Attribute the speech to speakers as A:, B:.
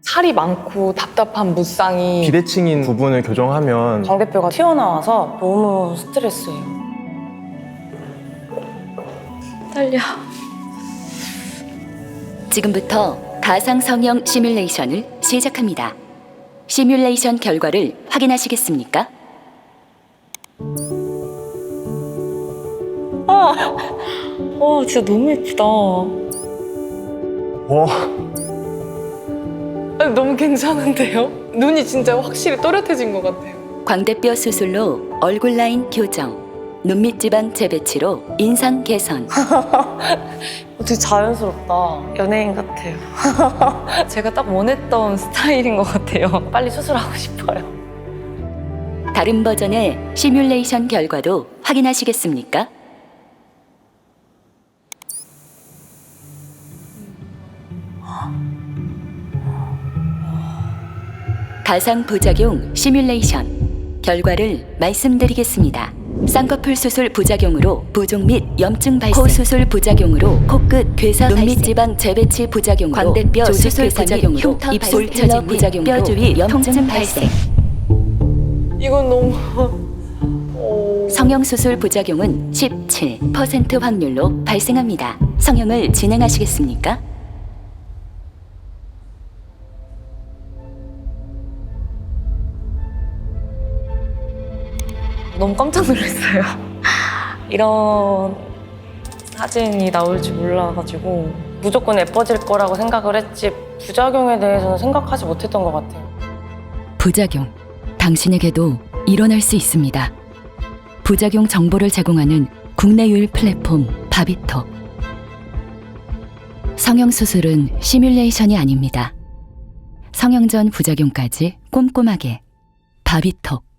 A: 살이 많고 답답한 무쌍이
B: 비대칭인 부분을 교정하면
C: 광대뼈가 튀어나와서 너무 스트레스예요.
A: 떨려.
D: 지금부터 가상 성형 시뮬레이션을 시작합니다. 시뮬레이션 결과를 확인하시겠습니까?
C: 진짜 너무 예쁘다.
B: 와,
A: 아니, 너무 괜찮은데요? 눈이 진짜 확실히 또렷해진 것 같아요.
D: 광대뼈 수술로 얼굴 라인 교정, 눈밑 지방 재배치로 인상 개선,
C: 되게 자연스럽다. 연예인 같아요.
A: 제가 딱 원했던 스타일인 것 같아요.
C: 빨리 수술하고 싶어요.
D: 다른 버전의 시뮬레이션 결과도 확인하시겠습니까? 가상 부작용 시뮬레이션 결과를 말씀드리겠습니다. 쌍꺼풀 수술 부작용으로 부종 및 염증 발생, 코 수술 부작용으로 코끝 괴사 발생, 눈밑 지방 재배치 부작용으로 광대뼈 수술 부작용으로 입술 처짐 부작용으로 뼈 주위 염증 발생.
A: 이건 너무
D: 성형 수술 부작용은 17% 확률로 발생합니다. 성형을 진행하시겠습니까?
C: 너무 깜짝 놀랐어요. 이런 사진이 나올 줄 몰라가지고 무조건 예뻐질 거라고 생각을 했지 부작용에 대해서는 생각하지 못했던 것 같아요.
D: 부작용, 당신에게도 일어날 수 있습니다. 부작용 정보를 제공하는 국내 유일 플랫폼 바비톡. 성형 수술은 시뮬레이션이 아닙니다. 성형 전 부작용까지 꼼꼼하게 바비톡.